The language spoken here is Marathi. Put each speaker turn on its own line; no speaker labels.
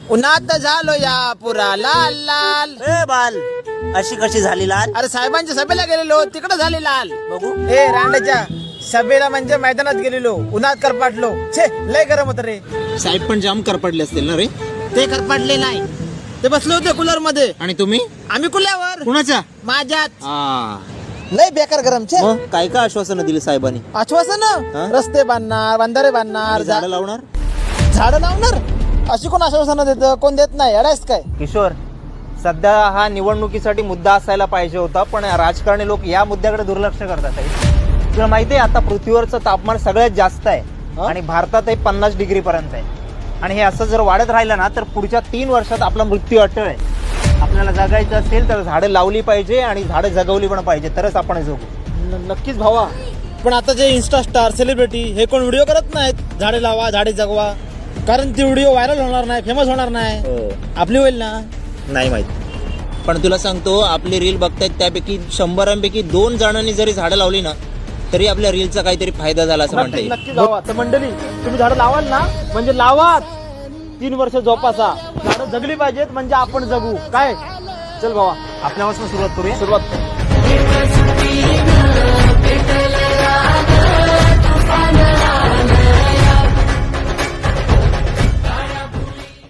उन्हात झालो या पुरा लाल लाल.
ए बाल, अशी कशी झाली लाल?
अरे साहेबांच्या सभेला गेलेलो तिकडे झाली लाल.
बघू.
ए रांडाच्या सभेला म्हणजे मैदानात गेलेलो उन्हात करपाटलो. छे लय गरम होत रे.
साहेब पण जाम करपडले असतील ना रे.
ते करपाटले नाही, ते बसले होते कूलर मध्ये.
आणि तुम्ही
आम्ही कुल्यावर
कुणाच्या?
माझ्यात.
आ,
लय बेकार गरम. छे
मग काय काय आश्वासनं दिली साहेबांनी?
आश्वासन
हा?
रस्ते बांधणार, बंधारे बांधणार,
झाडं लावणार?
झाडं लावणार. अशी कोण आश्वासन देत? कोण देत नाही. अडायस काय?
किशोर, सध्या हा निवडणुकीसाठी मुद्दा असायला पाहिजे होता, पण राजकारणी लोक या मुद्द्याकडे दुर्लक्ष करतात आहे. तुला माहिती आहे आता पृथ्वीवरचं तापमान सगळ्यात जास्त आहे आणि भारतात 50 डिग्री पर्यंत आहे. आणि हे असं जर वाढत राहिलं ना तर पुढच्या 3 वर्षात आपला मृत्यू अटळ आहे. आपल्याला जगायचं असेल तर झाडं लावली पाहिजे आणि झाडं जगवली पण पाहिजे, तरच आपण जगू.
नक्कीच भावा. पण आता जे इन्स्टा स्टार सेलिब्रिटी हे कोण व्हिडिओ करत नाहीत झाडे लावा झाडे जगवा, कारण ती व्हिडिओ व्हायरल होणार नाही, फेमस होणार नाही. आपली होईल ना?
नाही माहिती.
पण तुला सांगतो, आपली रील बघतायत त्यापैकी 100 2 जणांनी जरी झाडं लावली ना तरी आपल्या रीलचा काहीतरी फायदा झाला असं म्हणता येईल.
नक्की भावा. तर मंडळी तुम्ही झाडं लावाल ना, म्हणजे लावाच. 3 वर्ष जोपासा. झाडं जगली पाहिजेत म्हणजे आपण जगू. काय? चल भावा
आपल्यापासून सुरुवात करूया.
सुरुवात.